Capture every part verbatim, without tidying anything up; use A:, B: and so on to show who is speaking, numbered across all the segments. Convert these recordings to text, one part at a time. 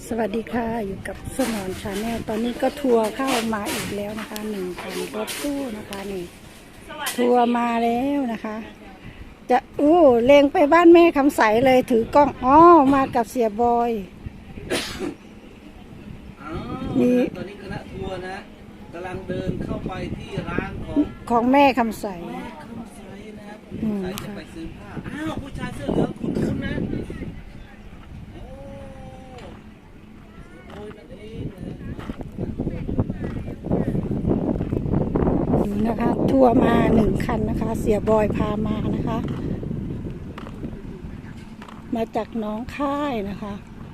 A: สวัสดีค่ะอยู่กับสมอนชาแนลตอนนี้ก็ทัวร์เข้ามาอีกแล้วนะคะหนึ่งคันรถตู้นะคะนี่ทัวร์มาแล้วนะคะ จะอู้เลงไปบ้านแม่คำใสเลยถือกล้องอ๋อมากับเสียบอย
B: นี่ตอนนี้คณะทัวร์นะกำลังเดินเข้าไปที่ร้านของ
A: ของแม่คำใส
B: แม่คำใสนะครับใสจะไปซื้อผ้าอ้าวผู้ชายเสื้อเหลืองคุณคุณนะโอ้ยนั่นเอง
A: ดูนะคะทัวร์มาหนึ่งคันนะคะเสียบอยพามานะคะมาจากน้องค่ายนะคะ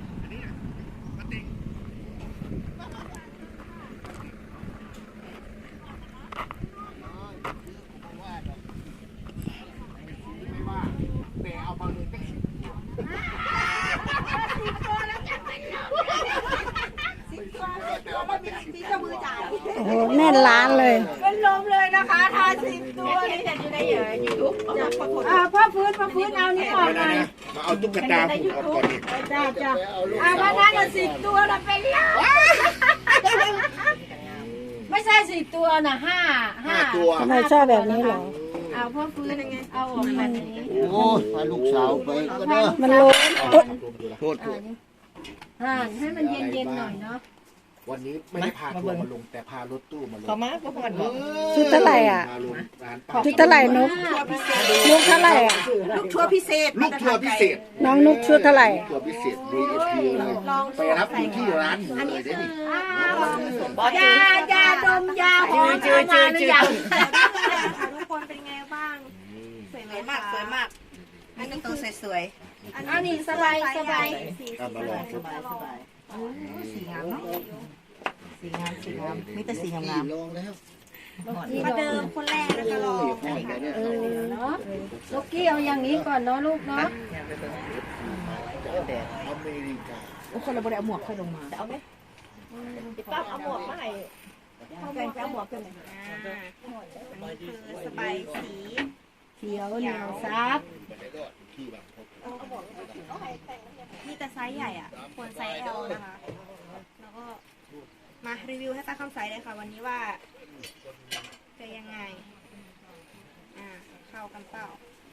A: โอ้โหแน่นร้านเลย
C: เป็นลมเลยนะคะทาสิบตัวนี่จะอยู่ในเหยื่อยูทูบอ่าพ่อฟื้นพ่อฟื้นเอานี่ออกหน่อย
D: มาเอาตุ๊กตาผูกออกก่อนดิ
C: จ้าจ้าอ่ามานั่งกันสิบตัวเราเป็นลมไม่ใช่สิบตัวนะห้าห้า
D: ตัว
A: ทำไมชอบแบบนี้หรอ
C: เอาพ่อฟื้นยังไงเอาออกแบบนี้
D: โอ้พาลูกสาวไปก็ได้
A: มันล้น
D: โทษโทษ
C: อ่าให้มันเย็นๆหน่อยเนาะ
D: วันนี้ไม่ได้พาทัวร์มาลงแต่พารถตู้มาลง
C: ขอมาพ่อผ่อน
A: ชุดเท่าไหร่อ่ะชุดเท่าไหร่นุ๊กนุ๊กเท่าไหร่อ่ะ
C: ลูกทัวร์พิเศษ
D: ลูกทัวร์พิเศษ
A: น้องนุ๊กชุดเท่าไหร่
D: ทัวร์พิเศษ วี ไอ พี เลยไปรับอยู่ที่ร้านหนูเลยได้ดิ
C: ยายาดมยาหอมจืดจืดจืดทุกคนเป็นไงบ้างสวยมากสวยมากอันนี้ตัวสวยๆอันนี้สบายสบาย
D: มาลองสบายสบาย
C: สีงามเนาะสีงามสีงามมีแต่สีงามงาม
D: ลองแล้ว
C: มาเดิมคนแรกนะคะลอง
A: เออเนาะลูกกี้เอาอย่างนี้ก่อนเนาะลูกเนาะ
D: อเมริกา
C: โอ้คนเราบริเอาหมวกค่อยลงมาจะเอาไหมป้าเอาหมวกมาให้เอาแบ่งเอาหมวกกันเลยคือสบายสี
A: เขียวเหนียวซับ
C: มีแต่ไซส์ใหญ่อ่ะควรไซส์ แอล นะคะแล้วก็มารีวิวให้ป้าคำใสเลยค่ะวันนี้ว่าจะยังไงอ่าเข้ากันเปล่า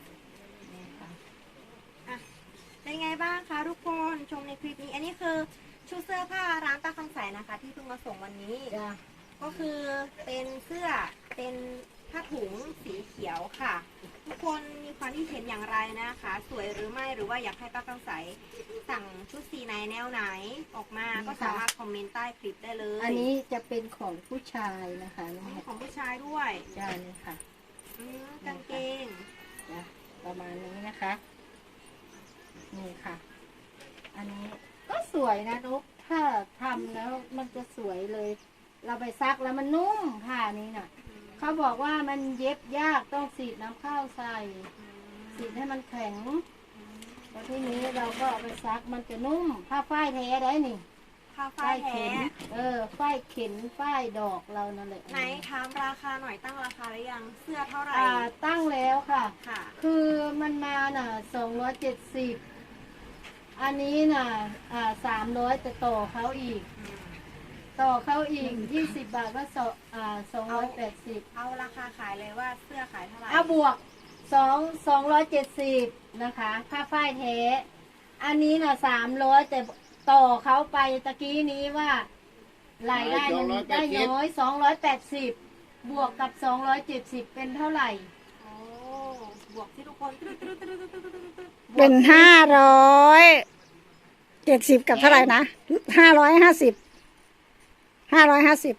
C: อ่ะเป็นไงบ้างคะทุกคนชมในคลิปนี้อันนี้คือชุดเสื้อผ้าร้านป้าคำใสนะคะที่เพิ่งมาส่งวันนี้ก็คือเป็นเสื้อเป็นผ้าถุงสีเขียวค่ะทุกคนมีความคิดเห็นอย่างไรนะคะสวยหรือไม่หรือว่าอยากให้ป้าคำใสสั่งชุดสีไหนแนวไหนออกมาก็สามารถคอมเมนต์ใต้คลิปได้เลย
A: อันนี้จะเป็นของผู้ชายนะคะ
C: ของผู้ชายด้วย
A: ใช่เลยค่ะ
C: กางเกง
A: ประมาณนี้นะคะนี่ค่ะอันนี้ก็สวยนะนุ๊กถ้าทำแล้วมันจะสวยเลยเราไปซักแล้วมันนุ่มผ้านี้น่ะเขาบอกว่ามันเย็บยากต้องสีดน้ำข้าวใส่สีดให้มันแข็งแล้วทีนี้เราก็เอาไปซักมันจะนุ่มผ้าฝ้ายแท้ได้นี่
C: ผ้าฝ้ายแท้
A: เออฝ้ายเข็นฝ้ายดอกเรานั่นแหละ
C: ไหนถามราคาหน่อยตั้งราคาหรือยังเสื้อเท่าไหร่
A: อ่าตั้งแล้วค่ะ
C: ค่ะ
A: คือมันมาน่ะสองร้อยเจ็ดสิบอันนี้น่ะอ่าสามร้อยจะต่อเขาอีกต่อเขาอีกยี่สิบบาทก็สองอ่าสองร้อยแปดสิบ
C: เอาราคาขายเลยว่าเสื้อขายเท่าไหร่
A: เอาบวกสองสองร้อยเจ็ดสิบนะคะผ้าฝ้ายแท้อันนี้น่ะสามร้อยแต่ต่อเขาไปตะกี้นี้ว่ารายได้มันได้น้อยสองร้อยแปดสิบบวกกับสองร้อยเจ็ดสิบเป็นเท่าไหร่
C: โอ้บวกที่ทุกคน
A: เป็นห้าร้อยเจ็ดสิบกับเท่าไหร่นะห้าร้อยห้าสิบห้าร้อยห้าสิบ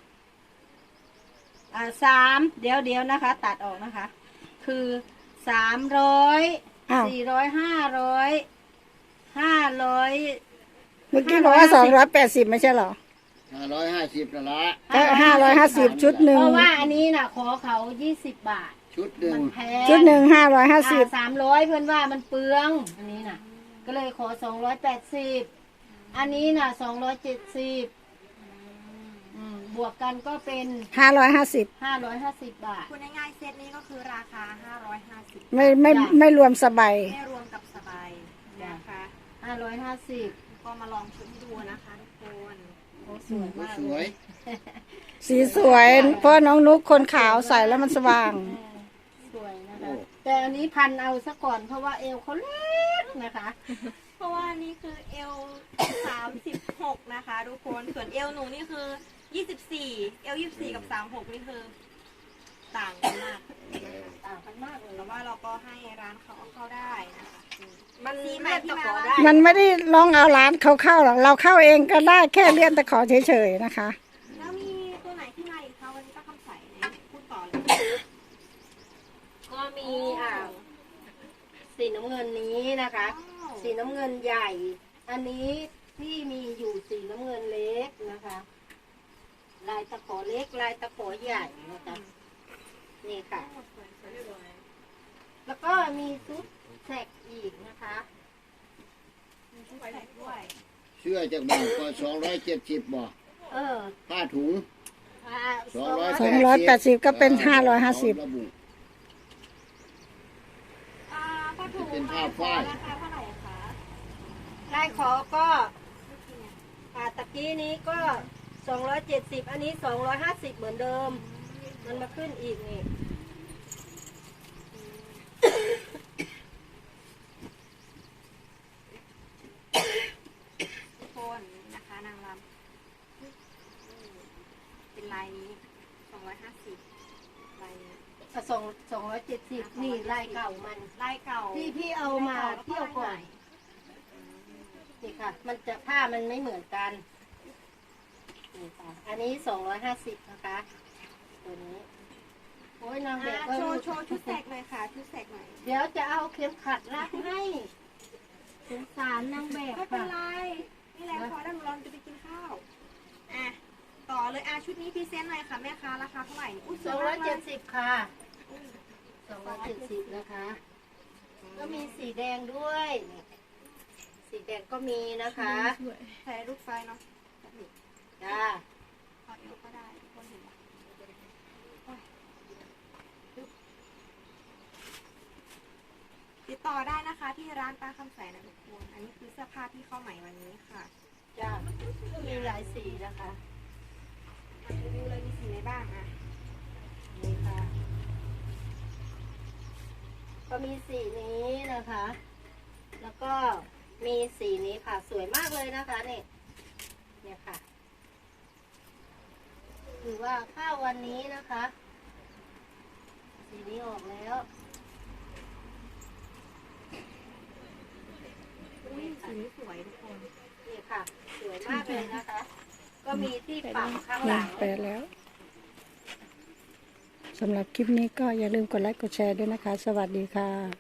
A: อ่าสามเดี๋ยวเดี๋ยวนะคะตัดออกนะคะคือสามร้อยสี่ร้อยห้าร้อยห้าร้อยเมื่อกี้บอกว่าสองร้อยแปดสิบไม่ใช่หรอ
D: ห้าร้อยห้าสิบละละ
A: ก็ห้าร้อยห้าสิบชุดหนึ่งเพราะว่าอันนี้น่ะขอเขายี่สิบบาท
D: ชุดหนึ่ง
A: ชุดหนึ่งห้าร้อยห้าสิบสามร้อยเพื่อนว่ามันเปลืองอันนี้น่ะก็เลยขอสองร้อยแปดสิบอันนี้น่ะสองร้อยเจ็ดสิบบวกกันก็เป็นห้าร้อยห้าสิบห้าร้อยห้าสิบบาท
C: คุณง่ายๆเซตนี้ก็คือราคาห้าร้อยห้าสิบ
A: ไม่ไม่ไม่รวมสบาย
C: ไม่รวมกับสบายนะคะ
A: ห้าร้อยห้าสิบ
C: ก็มาลองชุดให้ดูนะคะทุกคน
A: โอ้สวยมาก
D: สวย
E: สีสวย เพราะน้องนุกคนขาวใส่แล้วมันสว่าง
A: เออสวยนะคะ แต่อันนี้พันเอาซะก่อนเพราะว่าเอวเขาเล็กนะคะ
C: เพราะว่านี่คือเอลสามสิบหกนะคะทุกคน ส่วนเอลหนูนี่คือยี่สิบสี่เอลยี่สิบสี่กับสามหกนี่คือต่างกันมาก
A: ต่างกันมากเลย
C: แต่ว่าเราก็ให้ร้านเขาเอาเข้าได้นะคะ
A: มัน
C: สีให
A: เลื่อน
C: ที่
A: ตะ
C: มา
A: ขอ
C: ว่า
A: ได้
E: มันไม่ได้ลองเอาร้านเขาเข้าหรอกเราเข้าเองก็ได้แค่เลื่อนตะขอเฉยๆนะคะ
C: แล้วมีตัวไหนที่มาอีกคะวันนี้ป้าคำใสไหนพูดต่อเลย
A: ก็มีอ่าสีน้ำเงินนี้นะคะ
C: ว้าว
A: สีน้ำเงินใหญ่ อันนี้ที่มีอยู่สีน้ำเงินเล็กนะคะ ลายตะขอเล็กลายตะขอใหญ่นะคะนี่ค่ะ แล้วก็มีซุปแท็กอีกนะคะ
C: มีชุดแสกด้วย
D: เสื้อจากบ้านก็สองร้อยเจ็ดสิบบ่
A: เออ
D: ผ้าถุง
A: อ่า
D: สองร้อย
E: สองร้อยแปดสิบก็เป็นห้าร้อยห้าสิบ
D: ระบุ
C: อ่าผ้าถุง
D: เป็นผ้าฝ้าย
C: ราคาเท่าไหร่คะ
A: ลายขอก็อ่าตะกี้นี้ก็สองร้อยเจ็ดสิบอันนี้สองร้อยห้าสิบเหมือนเดิม มันมาขึ้นอีกนี่
C: ทุกคนนะคะนางรำเป็นลายนี้สองร้อยห้าสิบลายนี้
A: สองสองร้อยเจ็ดสิบนี่ลายเก่ามัน
C: ลายเก่า
A: ที่พี่เอามาเที่ยวก่อนนี่ค่ะ มันจะผ้ามันไม่เหมือนกันนี่ค่ะอันนี้สองร้อยห้าสิบนะคะตัวนี้โอ้ยนางแบ
C: อ่า
A: บก็
C: โชว์โชว์ชุดแสกหน่อยค่ะชุดแสกหน่อย
A: เดี๋ยวจะเอาเข็มขัดรัดให้สงสารนางแบบ
C: ไม่เป็น
A: ค่ะ
C: ไรนี่แหละพอแล้วหนูเราจะไปกินข้าวอ่ะต่อเลยอ่ะชุดนี้พรีเซนต์หน่อยค่ะแม่ค้าราคาเท่าไหร่อุ้ย
A: สองร้อยเจ็ดสิบค่ะ
C: อุ้ย
A: สองร้อยเจ็ดสิบนะคะ ก็มีสีแดงด้วยนี่สีแดงก็มีนะคะ
C: ใส่ลูกไฟเนาะ
A: จ้า
C: เอาเอวก็ได้ทุกคนเห็นปะติดต่อได้นะคะที่ร้านป้าคำใสนะทุกคนอันนี้คือเสื้อผ้าที่เข้าใหม่วันนี้ค่ะ
A: จ้ามีหลายสีนะคะ
C: มารีวิวเลยมีสีไหนบ้างอ่ะ
A: นี่ค่ะ ก็มีสีนี้นะคะ แล้วก็มีสีนี้ค่ะ สวยมากเลยนะคะเนี่ยเนี่ยค่ะถือว่าข้าววันนี้นะคะ สีนี้ออกแล้ว
C: อุ้ยสีนี้สวยทุกคน
A: นี่ค่ะ สวยมากเลยนะคะ ก็มีที่ปักข้างหลัง
E: ไปแล้วสำหรับคลิปนี้ก็อย่าลืมกดไลค์กดแชร์ด้วยนะคะ สวัสดีค่ะ